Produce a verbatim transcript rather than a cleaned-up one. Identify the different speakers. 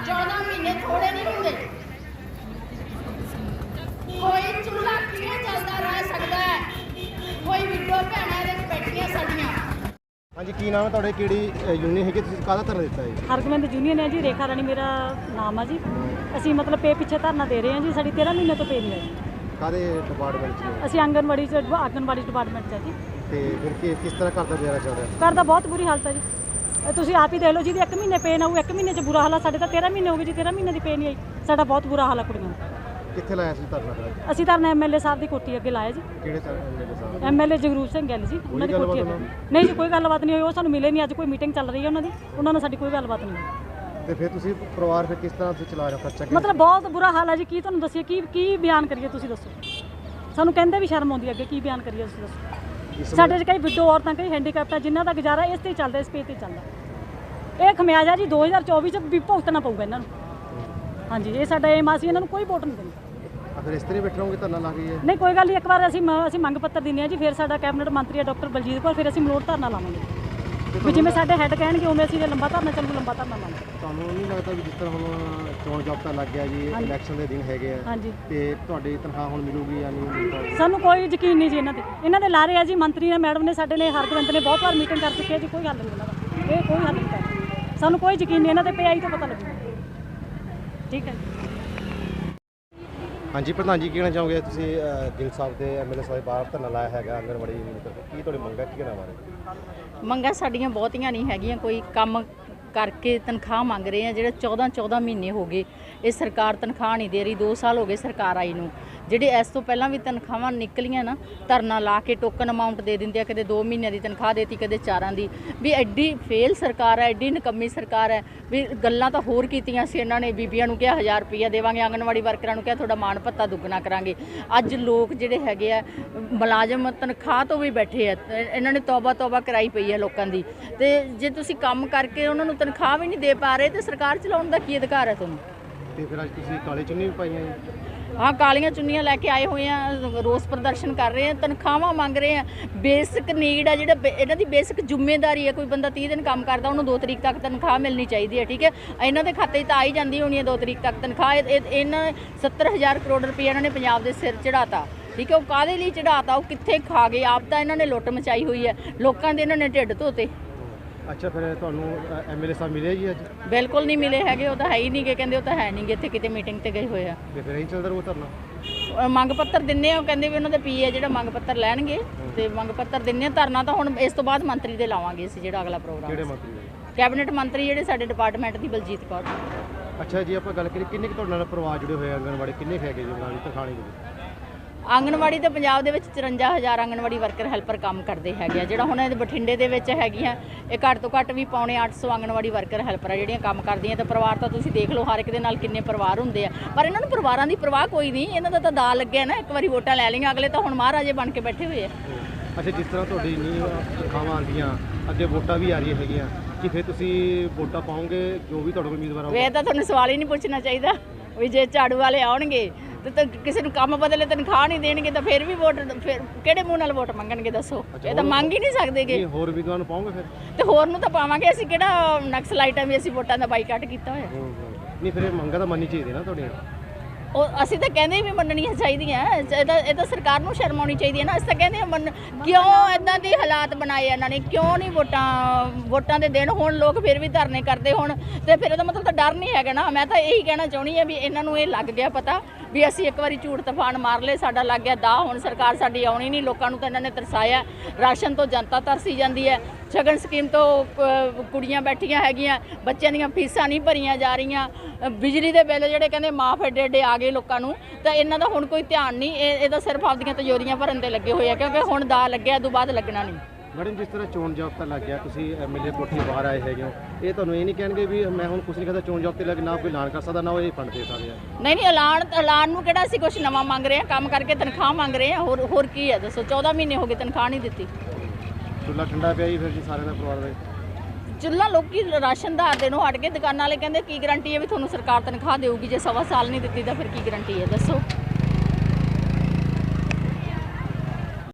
Speaker 1: चौदह महीने थोड़े नहीं होंगे। कोई चूल्हा किवें चलदा रह सकदा है, कोई विडो भैणां दे बैठियां साडियां।
Speaker 2: हाँ जी, की नाम है तुहाडे, किहड़ी यूनियन है, तुसीं काहदा धरना दिता है?
Speaker 3: हरगोबिंद यूनियन है जी, रेखा रानी मेरा नाम है जी। ਅਸੀਂ ਮਤਲਬ ਪੇ ਪਿੱਛੇ ਧਰਨਾ ਦੇ ਰਹੇ ਹਾਂ ਜੀ। ਸਾਡੀ तेरह ਮਹੀਨੇ ਤੋਂ ਪੇ ਨਹੀਂ ਆਈ।
Speaker 2: ਕਾਹਦੇ ਡਿਪਾਰਟਮੈਂਟ 'ਚ?
Speaker 3: ਅਸੀਂ ਆਂਗਨਵਾੜੀ 'ਚ ਆਂਗਨਵਾੜੀ ਡਿਪਾਰਟਮੈਂਟ 'ਚ ਹੈ ਜੀ।
Speaker 2: ਤੇ ਫਿਰ ਕੀ ਕਿਸ ਤਰ੍ਹਾਂ ਘਰ ਦਾ ਗੁਜ਼ਾਰਾ ਚੱਲ ਰਿਹਾ?
Speaker 3: ਘਰ ਦਾ ਬਹੁਤ ਬੁਰੀ ਹਾਲਤ ਹੈ ਜੀ। ਇਹ ਤੁਸੀਂ ਆਪ ਹੀ ਦੇਖ ਲਓ, ਜਿਹਦੀ ਇੱਕ ਮਹੀਨੇ ਪੇ ਨਾ ਹੋਊ, ਇੱਕ ਮਹੀਨੇ 'ਚ ਬੁਰਾ ਹਾਲ ਆ। ਸਾਡੇ ਤਾਂ तेरह ਮਹੀਨੇ ਹੋ ਗਏ ਜੀ, तेरह ਮਹੀਨੇ ਦੀ ਪੇ ਨਹੀਂ ਆਈ। ਸਾਡਾ ਬਹੁਤ ਬੁਰਾ ਹਾਲ ਆ ਕੁੜੀਆਂ ਦਾ।
Speaker 2: ਕਿੱਥੇ ਲਾਇਆ ਸੀ ਧਰਨਾ ਫਿਰ?
Speaker 3: ਅਸੀਂ ਧਰਨਾ ਐਮਐਲਏ ਸਾਹਿਬ ਦੀ ਕੋਠੀ ਅੱਗੇ ਲਾਇਆ ਜੀ।
Speaker 2: ਕਿਹੜੇ ਐਮਐਲਏ ਸਾਹਿਬ?
Speaker 3: ਐਮਐਲਏ ਜਗਰੂਪ ਸਿੰਘ ਗਿੱਲ ਜੀ, ਉਹਨਾਂ ਦੀ ਕੋਠੀ ਅੱਗੇ। ਨਹੀਂ ਜੀ, ਕੋਈ ਗੱਲਬਾਤ ਨਹੀਂ ਹੋਈ। ਉਹ ਸਾਨੂੰ ਮਿਲੇ ਨਹੀਂ। ਅੱਜ ਕੋਈ ਮੀਟਿੰਗ ਚੱਲ ਰਹੀ ਹੈ ਉਹਨਾਂ ਦੀ, ਉਹਨਾਂ ਨਾਲ ਸਾਡੀ ਕੋਈ ਗੱਲਬਾਤ ਨਹੀਂ ਹੋਈ।
Speaker 2: ਤੇ ਫਿਰ ਤੁਸੀਂ ਪਰਿਵਾਰ ਫਿਰ ਕਿਸ ਤਰ੍ਹਾਂ ਤੁਸੀਂ ਚਲਾ ਰਹੇ ਹੋ ਖਰਚਾ?
Speaker 3: ਮਤਲਬ ਬਹੁਤ ਬੁਰਾ ਹਾਲ ਹੈ ਜੀ। ਕੀ ਤੁਹਾਨੂੰ ਦੱਸੀਏ, ਕੀ ਕੀ ਬਿਆਨ ਕਰੀਏ, ਤੁਸੀਂ ਦੱਸੋ। ਸਾਨੂੰ ਕਹਿੰਦੇ ਵੀ ਸ਼ਰਮ ਆਉਂਦੀ ਅੱਗੇ, ਕੀ ਬਿਆਨ ਕਰੀਏ ਤੁਸੀਂ ਦੱਸੋ। ਸਾਡੇ 'ਚ ਕਈ ਵਿਡੋ ਔਰਤਾਂ, ਕਈ ਹੈਂਡੀਕੈਪਟ ਆ, ਜਿਨ੍ਹਾਂ ਦਾ ਗੁਜ਼ਾਰਾ ਇਸ 'ਤੇ ਹੀ ਚੱਲਦਾ, ਇਸ ਪੇਜ 'ਤੇ ਚੱਲਦਾ। ਇਹ ਖਮਿਆਜਾ ਜੀ ਦੋ ਹਜ਼ਾਰ ਚੌਵੀ 'ਚ ਵੀ ਭੁਗਤਣਾ ਪਊਗਾ ਇਹਨਾਂ ਨੂੰ। ਹਾਂਜੀ, ਇਹ ਸਾਡਾ ਏਮ ਆ। ਅਸੀਂ ਇਹਨਾਂ ਨੂੰ ਕੋਈ ਵੋਟ ਨਹੀਂ ਦੇਣੀ।
Speaker 2: ਫਿਰ ਇਸ ਤਰ੍ਹਾਂ ਬੈਠੇ ਰਹੋਗੇ ਧਰਨਾ ਲਾ ਕੇ?
Speaker 3: ਨਹੀਂ, ਕੋਈ ਗੱਲ ਨਹੀਂ। ਇੱਕ ਵਾਰ ਅਸੀਂ ਅਸੀਂ ਮੰਗ ਪੱਤਰ ਦਿੰਦੇ ਹਾਂ ਜੀ, ਫਿਰ ਸਾਡਾ ਕੈਬਨਿਟ ਮੰਤਰੀ ਹੈ ਡਾਕਟਰ ਬਲਜੀਤ ਕੌਰ, ਫਿਰ ਅਸੀਂ ਮਲੋਟ ਧਰਨਾ ਲਾਵਾਂਗੇ ਵੀ ਜਿਵੇਂ ਸਾਡੇ ਹੈੱਡ ਕਹਿਣਗੇ ਉਵੇਂ ਅਸੀਂ ਲੰਬਾ ਧਰਨਾ ਚੱਲੂ, ਲੰਬਾ ਧਰਨਾ ਲਾਵਾਂਗੇ।
Speaker 2: ਤੁਹਾਨੂੰ ਨਹੀਂ ਲੱਗਦਾ ਵੀ ਜਿਸ ਤਰ੍ਹਾਂ ਹੁਣ ਚੋਣ ਜਾਬਤਾ ਲੱਗ ਗਿਆ ਜੀ, ਇਲੈਕਸ਼ਨ ਦੇ ਦਿਨ ਹੈਗੇ ਆ,
Speaker 3: ਹਾਂਜੀ,
Speaker 2: ਤੇ ਤੁਹਾਡੀ ਤਨਖਾਹ ਹੁਣ ਮਿਲੂਗੀ ਜਾਂ ਨਹੀਂ ਮਿਲੂਗੀ?
Speaker 3: ਸਾਨੂੰ ਕੋਈ ਯਕੀਨ ਨਹੀਂ ਜੀ ਇਹਨਾਂ ਤੇ। ਇਹਨਾਂ ਦੇ ਲਾਰੇ ਆ ਜੀ। ਮੰਤਰੀ ਨੇ, ਮੈਡਮ ਨੇ, ਸਾਡੇ ਨੇ, ਹਰਗੋਬਿੰਦ ਨੇ ਬਹੁਤ ਵਾਰ ਮੀਟਿੰਗ ਕਰ ਚੁੱਕੇ ਆ ਜੀ। ਕੋਈ ਹੱਲ ਨਹੀਂ ਇਹਨਾਂ ਦਾ। ਇਹ ਕੋਈ ਹੱਲ ਨਹੀਂ ਕਰਦਾ। ਸਾਨੂੰ ਕੋਈ ਯਕੀਨ ਨਹੀਂ ਇਹਨਾਂ ਤੇ। ਪੇ ਆਈ ਤੋਂ ਪਤਾ ਲੱਗੂਗਾ। ਠੀਕ ਹੈ ਜੀ।
Speaker 2: ਹਾਂਜੀ ਪ੍ਰਧਾਨ ਜੀ, ਕੀ ਕਹਿਣਾ ਚਾਹੋਗੇ? ਤੁਸੀਂ ਗਿੱਲ ਸਾਹਿਬ ਦੇ ਐਮਐਲਏ ਸਾਹਿਬ ਬਾਹਰ ਧਰਨਾ ਲਾਇਆ ਹੈਗਾ ਆਂਗਨਵਾੜੀ ਯੂਨੀਅਨ ਤਰਫ, ਕੀ ਤੁਹਾਡੀ ਮੰਗਾਂ ਕੀ ਕਹਿਣਾ ਬਾਰੇ?
Speaker 4: ਮੰਗਾਂ ਸਾਡੀਆਂ ਬਹੁਤੀਆਂ ਨਹੀਂ ਹੈਗੀਆਂ। ਕੋਈ ਕੰਮ ਕਰਕੇ ਤਨਖਾਹ ਮੰਗ ਰਹੇ ਆ। ਜਿਹੜੇ ਚੌਦਾਂ ਚੌਦਾਂ ਮਹੀਨੇ ਹੋ ਗਏ ਇਹ ਸਰਕਾਰ ਤਨਖਾਹ ਨਹੀਂ ਦੇ ਰਹੀ। ਦੋ ਸਾਲ ਹੋ ਗਏ ਸਰਕਾਰ ਆਈ ਨੂੰ। ਜਿਹੜੇ ਇਸ ਤੋਂ ਪਹਿਲਾਂ ਵੀ ਤਨਖਾਹਾਂ ਨਿਕਲੀਆਂ ਨਾ, ਧਰਨਾ ਲਾ ਕੇ ਟੋਕਨ ਅਮਾਊਂਟ ਦੇ ਦਿੰਦੇ ਆ। ਕਦੇ ਦੋ ਮਹੀਨਿਆਂ ਦੀ ਤਨਖਾਹ ਦੇਤੀ, ਕਦੇ ਚਾਰਾਂ ਦੀ। ਵੀ ਐਡੀ ਫੇਲ ਸਰਕਾਰ ਹੈ, ਐਡੀ ਨਿਕੰਮੀ ਸਰਕਾਰ ਹੈ। ਵੀ ਗੱਲਾਂ ਤਾਂ ਹੋਰ ਕੀਤੀਆਂ ਸੀ ਇਹਨਾਂ ਨੇ। ਬੀਬੀਆਂ ਨੂੰ ਕਿਹਾ ਹਜ਼ਾਰ ਰੁਪਈਆ ਦੇਵਾਂਗੇ, ਆਂਗਨਵਾੜੀ ਵਰਕਰਾਂ ਨੂੰ ਕਿਹਾ ਤੁਹਾਡਾ ਮਾਣ ਭੱਤਾ ਦੁੱਗਣਾ ਕਰਾਂਗੇ। ਅੱਜ ਲੋਕ ਜਿਹੜੇ ਹੈਗੇ ਆ ਮੁਲਾਜ਼ਮ ਤਨਖਾਹ ਤੋਂ ਵੀ ਬੈਠੇ ਆ। ਇਹਨਾਂ ਨੇ ਤੌਬਾ ਤੌਬਾ ਕਰਾਈ ਪਈ ਹੈ ਲੋਕਾਂ ਦੀ। ਤੇ ਜੇ ਤੁਸੀਂ ਕੰਮ ਕਰਕੇ ਉਹਨਾਂ ਨੂੰ ਤਨਖਾਹ ਵੀ ਨਹੀਂ ਦੇ ਪਾ ਰਹੇ ਤੇ ਸਰਕਾਰ ਚਲਾਉਣ ਦਾ ਕੀ ਅਧਿਕਾਰ ਹੈ ਤੁਹਾਨੂੰ?
Speaker 2: ਤੇ ਫਿਰ ਅੱਜ ਤੁਸੀਂ ਕਾਲੇ ਚੁੰਨੀ ਵੀ ਪਾਈਆਂ ਜੀ?
Speaker 4: ਹਾਂ, ਕਾਲੀਆਂ ਚੁੰਨੀਆਂ ਲੈ ਕੇ ਆਏ ਹੋਏ ਆ, ਰੋਸ ਪ੍ਰਦਰਸ਼ਨ ਕਰ ਰਹੇ ਆ, ਤਨਖਾਹਾਂ ਮੰਗ ਰਹੇ ਆ। ਬੇਸਿਕ ਨੀਡ ਆ, ਜਿਹੜਾ ਇਹਨਾਂ ਦੀ ਬੇਸਿਕ ਜ਼ਿੰਮੇਵਾਰੀ ਹੈ। ਕੋਈ ਬੰਦਾ ਤੀਹ ਦਿਨ ਕੰਮ ਕਰਦਾ, ਉਹਨੂੰ ਦੋ ਤਰੀਕ ਤੱਕ ਤਨਖਾਹ ਮਿਲਣੀ ਚਾਹੀਦੀ ਹੈ। ਠੀਕ ਹੈ, ਇਹਨਾਂ ਦੇ ਖਾਤੇ 'ਚ ਤਾਂ ਆਈ ਜਾਂਦੀ ਹੋਣੀ ਹੈ ਦੋ ਤਰੀਕ ਤੱਕ ਤਨਖਾਹ। ਇਹਨਾਂ ਸੱਤਰ ਹਜ਼ਾਰ ਕਰੋੜ ਰੁਪਏ ਇਹਨਾਂ ਨੇ ਪੰਜਾਬ ਦੇ ਸਿਰ ਚੜਾਤਾ। ਠੀਕ ਹੈ, ਉਹ ਕਾਹਦੇ ਲਈ ਚੜਾਤਾ? ਉਹ ਕਿੱਥੇ ਖਾ ਗਏ? ਆਪ ਤਾਂ ਇਹਨਾਂ ਨੇ ਲੁੱਟ ਮਚਾਈ ਹੋਈ ਹੈ। ਲੋਕਾਂ ਦੇ ਇਹਨਾਂ ਨੇ ਢਿੱਡ ਧੋਤੇ।
Speaker 2: ਅੱਛਾ, ਫਿਰ ਤੁਹਾਨੂੰ ਐਮਐਲਏ ਸਾਹਿਬ ਮਿਲੇ ਜੀ ਅੱਜ?
Speaker 4: ਬਿਲਕੁਲ ਨਹੀਂ ਮਿਲੇ ਹੈਗੇ। ਉਹ ਤਾਂ ਹੈ ਹੀ ਨਹੀਂ ਗੇ। ਕਹਿੰਦੇ ਉਹ ਤਾਂ ਹੈ ਨਹੀਂ ਗੇ, ਇੱਥੇ ਕਿਤੇ ਮੀਟਿੰਗ ਤੇ ਗਏ ਹੋਏ ਆ।
Speaker 2: ਤੇ ਫਿਰ ਇਹੀ ਚੱਲਦਾ ਰਹੂ ਧਰਨਾ?
Speaker 4: ਮੰਗ ਪੱਤਰ ਦਿੰਨੇ ਆ। ਉਹ ਕਹਿੰਦੇ ਵੀ ਉਹਨਾਂ ਦੇ ਪੀਏ ਜਿਹੜਾ ਮੰਗ ਪੱਤਰ ਲੈਣਗੇ ਤੇ ਮੰਗ ਪੱਤਰ ਦਿੰਨੇ ਆ। ਧਰਨਾ ਤਾਂ ਹੁਣ ਇਸ ਤੋਂ ਬਾਅਦ ਮੰਤਰੀ ਦੇ ਲਾਵਾਂਗੇ ਅਸੀਂ, ਜਿਹੜਾ ਅਗਲਾ ਪ੍ਰੋਗਰਾਮ।
Speaker 2: ਕਿਹੜੇ ਮੰਤਰੀ?
Speaker 4: ਕੈਬਨਿਟ ਮੰਤਰੀ ਜਿਹੜੇ ਸਾਡੇ ਡਿਪਾਰਟਮੈਂਟ ਦੀ, ਬਲਜੀਤ ਕੌਰ।
Speaker 2: ਅੱਛਾ ਜੀ, ਆਪਾਂ ਗੱਲ ਕਰੀਏ ਕਿੰਨੇ ਕੁ ਤੁਹਾਡੇ ਨਾਲ ਪਰਿਵਾਰ ਜੁੜੇ ਹੋਏ ਆਂਗਨਵਾੜੀ, ਕਿੰਨੇ ਕੁ ਹੈਗੇ ਜੀ ਨਾਲ ਤਨਖਾਣੀ ਦੇ?
Speaker 4: ਆਂਗਨਵਾੜੀ ਤਾਂ ਪੰਜਾਬ ਦੇ ਵਿੱਚ ਚੁਰੰਜਾ ਹਜ਼ਾਰ ਆਂਗਨਵਾੜੀ ਵਰਕਰ ਹੈਲਪਰ ਕੰਮ ਕਰਦੇ ਹੈਗੇ ਆ। ਜਿਹੜਾ ਹੁਣ ਇਹ ਬਠਿੰਡੇ ਦੇ ਵਿੱਚ ਹੈਗੀਆਂ, ਇਹ ਘੱਟ ਤੋਂ ਘੱਟ ਵੀ ਪੌਣੇ ਅੱਠ ਸੌ ਆਂਗਨਵਾੜੀ ਵਰਕਰ ਹੈਲਪਰ ਆ ਜਿਹੜੀਆਂ ਕੰਮ ਕਰਦੀਆਂ। ਤੇ ਪਰਿਵਾਰ ਤਾਂ ਤੁਸੀਂ ਦੇਖ ਲਓ, ਹਰ ਇੱਕ ਦੇ ਨਾਲ ਕਿੰਨੇ ਪਰਿਵਾਰ ਹੁੰਦੇ ਆ। ਪਰ ਇਹਨਾਂ ਨੂੰ ਪਰਿਵਾਰਾਂ ਦੀ ਪਰਵਾਹ ਕੋਈ ਨਹੀਂ। ਇਹਨਾਂ ਦਾ ਤਾਂ ਦਾ ਲੱਗਿਆ ਨਾ, ਇੱਕ ਵਾਰੀ ਵੋਟਾਂ ਲੈ ਲਈਆਂ, ਅਗਲੇ ਤਾਂ ਹੁਣ ਮਹਾਰਾਜੇ ਬਣ ਕੇ ਬੈਠੇ ਹੋਏ ਆ।
Speaker 2: ਅੱਛਾ, ਜਿਸ ਤਰ੍ਹਾਂ ਤੁਹਾਡੀ ਨਹੀਂ ਤਨਖਾਹਾਂ ਆਉਂਦੀਆਂ, ਅੱਗੇ ਵੋਟਾਂ ਵੀ ਆ ਰਹੀਆਂ ਹੈਗੀਆਂ, ਕਿ ਫਿਰ ਤੁਸੀਂ ਵੋਟਾਂ ਪਾਓਗੇ ਜੋ ਵੀ ਤੁਹਾਡੇ ਕੋਲ ਉਮੀਦਵਾਰ ਆਊਗਾ?
Speaker 4: ਇਹ ਤਾਂ ਤੁਹਾਨੂੰ ਸਵਾਲ ਹੀ ਨਹੀਂ ਪੁੱਛਣਾ ਚਾਹੀਦਾ। ਵੀ ਜੇ ਝਾੜੂ ਵਾਲੇ ਆਉਣਗੇ ਤੇ ਕਿਸੇ ਨੂੰ ਕੰਮ ਬਦਲੇ ਤਨਖਾਹ ਨਹੀਂ ਦੇਣਗੇ ਤਾਂ ਫਿਰ ਵੀ ਵੋਟ, ਫਿਰ ਕਿਹੜੇ ਮੂੰਹ ਨਾਲ ਵੋਟ ਮੰਗਣਗੇ ਦੱਸੋ? ਇਹ ਤਾਂ ਮੰਗ ਹੀ ਨਹੀਂ ਸਕਦੇਗੇ।
Speaker 2: ਹੋਰ ਵੀ ਤੁਹਾਨੂੰ ਪਾਓਗੇ ਫਿਰ?
Speaker 4: ਤੇ ਹੋਰ ਨੂੰ ਤਾਂ ਪਾਵਾਂਗੇ। ਅਸੀਂ ਕਿਹੜਾ ਨਕਸਲਾਈਟਾਂ ਵੀ ਅਸੀਂ ਵੋਟਾਂ ਦਾ ਬਾਈਕਾਟ ਕੀਤਾ ਹੋਇਆ?
Speaker 2: ਨਹੀਂ, ਫਿਰ ਇਹ ਮੰਗਾਂ ਤਾਂ ਮੰਨਣੀ ਚਾਹੀਦੀ ਨਾ ਤੁਹਾਡੀਆਂ।
Speaker 4: ਉਹ ਅਸੀਂ ਤਾਂ ਕਹਿੰਦੇ ਵੀ ਮੰਨਣੀਆਂ ਚਾਹੀਦੀਆਂ। ਇਹ ਤਾਂ ਇਹ ਤਾਂ ਸਰਕਾਰ ਨੂੰ ਸ਼ਰਮ ਆਉਣੀ ਚਾਹੀਦੀ ਹੈ ਨਾ। ਅਸੀਂ ਤਾਂ ਕਹਿੰਦੇ ਹਾਂ ਮੰਨ। ਕਿਉਂ ਇੱਦਾਂ ਦੇ ਹਾਲਾਤ ਬਣਾਏ ਇਹਨਾਂ ਨੇ? ਕਿਉਂ ਨਹੀਂ ਵੋਟਾਂ ਵੋਟਾਂ ਦੇ ਦਿਨ ਹੁਣ ਲੋਕ ਫਿਰ ਵੀ ਧਰਨੇ ਕਰਦੇ ਹੁਣ? ਤੇ ਫਿਰ ਇਹਦਾ ਮਤਲਬ ਤਾਂ ਡਰ ਨਹੀਂ ਹੈਗਾ ਨਾ। ਮੈਂ ਤਾਂ ਇਹੀ ਕਹਿਣਾ ਚਾਹੁੰਦੀ ਹਾਂ ਵੀ ਇਹਨਾਂ ਨੂੰ ਇਹ ਲੱਗ ਗਿਆ ਪਤਾ ਵੀ ਅਸੀਂ ਇੱਕ ਵਾਰੀ ਝੂਠ ਤੂਫਾਨ ਮਾਰ ਲਏ, ਸਾਡਾ ਲੱਗ ਗਿਆ ਦਾ। ਹੁਣ ਸਰਕਾਰ ਸਾਡੀ ਆਉਣੀ ਨਹੀਂ। ਲੋਕਾਂ ਨੂੰ ਤਾਂ ਇਹਨਾਂ ਨੇ ਤਰਸਾਇਆ। ਰਾਸ਼ਨ ਤੋਂ ਜਨਤਾ ਤਰਸੀ ਜਾਂਦੀ ਹੈ। ਸ਼ਗਨ ਸਕੀਮ ਤੋਂ ਕੁੜੀਆਂ ਬੈਠੀਆਂ ਹੈਗੀਆਂ, ਬੱਚਿਆਂ ਦੀਆਂ ਫੀਸਾਂ ਨਹੀਂ ਭਰੀਆਂ ਜਾ ਰਹੀਆਂ। ਬਿਜਲੀ ਦੇ ਬਿੱਲ ਜਿਹੜੇ ਕਹਿੰਦੇ ਮਾਫ ਏਡੇ ਏਡੇ ਆ ਗਏ ਲੋਕਾਂ ਨੂੰ। ਤਾਂ ਇਹਨਾਂ ਦਾ ਹੁਣ ਕੋਈ ਧਿਆਨ ਨਹੀਂ। ਇਹ ਇਹਦਾ ਸਿਰਫ ਆਪਦੀਆਂ ਤਜੋਰੀਆਂ ਭਰਨ ਤੇ ਲੱਗੇ ਹੋਏ ਆ, ਕਿਉਂਕਿ ਹੁਣ ਦਾ ਲੱਗਿਆ, ਤੋਂ ਬਾਅਦ ਲੱਗਣਾ ਨਹੀਂ।
Speaker 2: ਮੈਡਮ, ਜਿਸ ਤਰ੍ਹਾਂ ਚੋਣ ਜਾਬਤਾ ਲੱਗ ਗਿਆ, ਤੁਸੀਂ ਐਮਐਲਏ ਕੋਠੀ ਬਾਹਰ ਆਏ ਹੈਗੇ ਹੋ, ਇਹ ਤੁਹਾਨੂੰ ਇਹ ਨਹੀਂ ਕਹਿਣਗੇ ਵੀ ਮੈਂ ਹੁਣ ਕੁਛ ਨਹੀਂ ਕਰਦਾ, ਚੋਣ ਜਾਬਤੇ ਲੱਗ ਨਾ ਕੋਈ ਐਲਾਨ ਕਰ ਸਕਦਾ, ਨਾ ਉਹ ਇਹ ਫੰਡ ਦੇ ਸਕਦੇ ਆ?
Speaker 4: ਨਹੀਂ ਨਹੀਂ, ਐਲਾਨ ਐਲਾਨ ਨੂੰ ਕਿਹੜਾ ਅਸੀਂ ਕੁਛ ਨਵਾਂ ਮੰਗ ਰਹੇ ਹਾਂ? ਕੰਮ ਕਰਕੇ ਤਨਖਾਹ ਮੰਗ ਰਹੇ ਹਾਂ। ਹੋਰ ਹੋਰ ਕੀ ਹੈ ਦੱਸੋ? ਚੌਦਾਂ ਮਹੀਨੇ ਹੋ ਗਏ ਤਨਖਾਹ ਨਹੀਂ ਦਿੱਤੀ।
Speaker 2: ਚੁੱਲ੍ਹਾ ਠੰਡਾ ਪਿਆ ਜੀ ਫਿਰ ਜੀ ਸਾਰਿਆਂ ਦਾ ਪਰਿਵਾਰ ਦਾ?
Speaker 4: ਚੁੱਲ੍ਹਾ ਲੋਕੀ ਰਾਸ਼ਨਦਾਰ ਦੇ ਨੂੰ ਹਟ ਕੇ ਦੁਕਾਨਾਂ ਵਾਲੇ ਕਹਿੰਦੇ ਕੀ ਗਰੰਟੀ ਹੈ ਵੀ ਤੁਹਾਨੂੰ ਸਰਕਾਰ ਤਨਖਾਹ ਦੇਊਗੀ? ਜੇ ਸਵਾ ਸਾਲ ਨਹੀਂ ਦਿੱਤੀ ਤਾਂ ਫਿਰ ਕੀ ਗਰੰਟੀ ਹੈ ਦੱਸੋ?